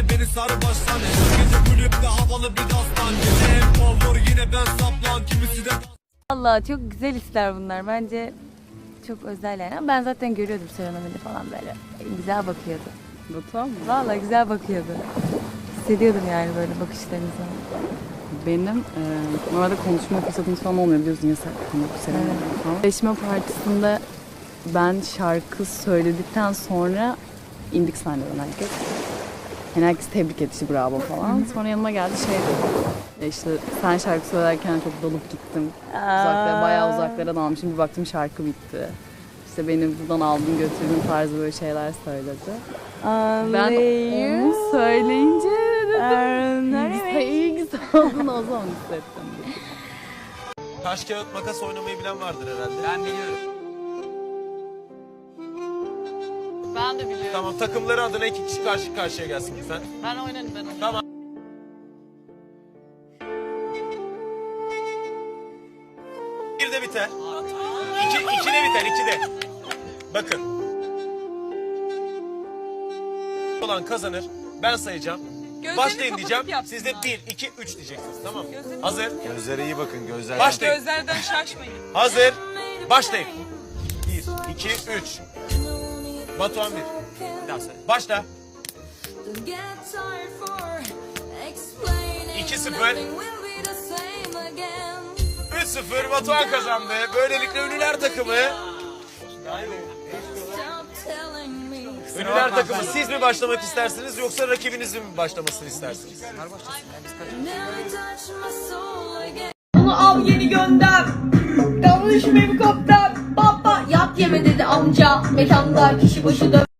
beni sar baştan. Gece kulüpte havalı bir dastan. Gece en favori yine ben saplan. Kimisi de Allah çok güzel hisler bunlar. Bence çok özel yani. Ama ben zaten görüyordum Serena'yı falan böyle. Güzel bakıyordu. Batuhan mı? Vallahi güzel bakıyordu. Hissediyordum yani böyle bakışlarını falan. Benim normalde konuşma fırsatım falan olmuyor biliyorsun yasak bu sene falan. Seçme partisinde ben şarkı söyledikten sonra indik sahneden herkes. Yani herkes tebrik etti bravo falan. Sonra yanıma geldi şey dedi. İşte sen şarkı söylerken çok dalıp gittim. Uzaklara, bayağı uzaklara dalmışım. Bir baktım şarkı bitti. İşte beni buradan aldın götürdün tarzı böyle şeyler söyledi. Ben onu söyleyince dedim. İyi güzel olduğunu o zaman hissettim. taş kağıt makas oynamayı bilen vardır herhalde. Ben biliyorum. Ben de biliyorum. Tamam, takımları adına 2 kişi karşı karşıya gelsin lütfen. Ben oynarım, ben oynarım. Tamam. Bir de biter. İki de biter, 2'de. Bakın. Olan kazanır. Ben sayacağım. Başlayın diyeceğim. Siz de 1, 2, 3 diyeceksiniz. Tamam mı? Hazır. Gözlere iyi bakın, gözler. Başlayın. Gözlerden şaşmayın. Hazır. Başlayın. 1, 2, 3. Batuhan 1. Bir daha söyle. Başla. 2-0. 3-0 Batuhan kazandı. Böylelikle Ünlüler takımı. Ünlüler takımı siz mi başlamak istersiniz yoksa rakibinizin mi başlamasını istersiniz? Bunu al yeni gönder. Yanlış mı kaptan? Baba yap yeme dedi amca. Mekanda kişi başı dön.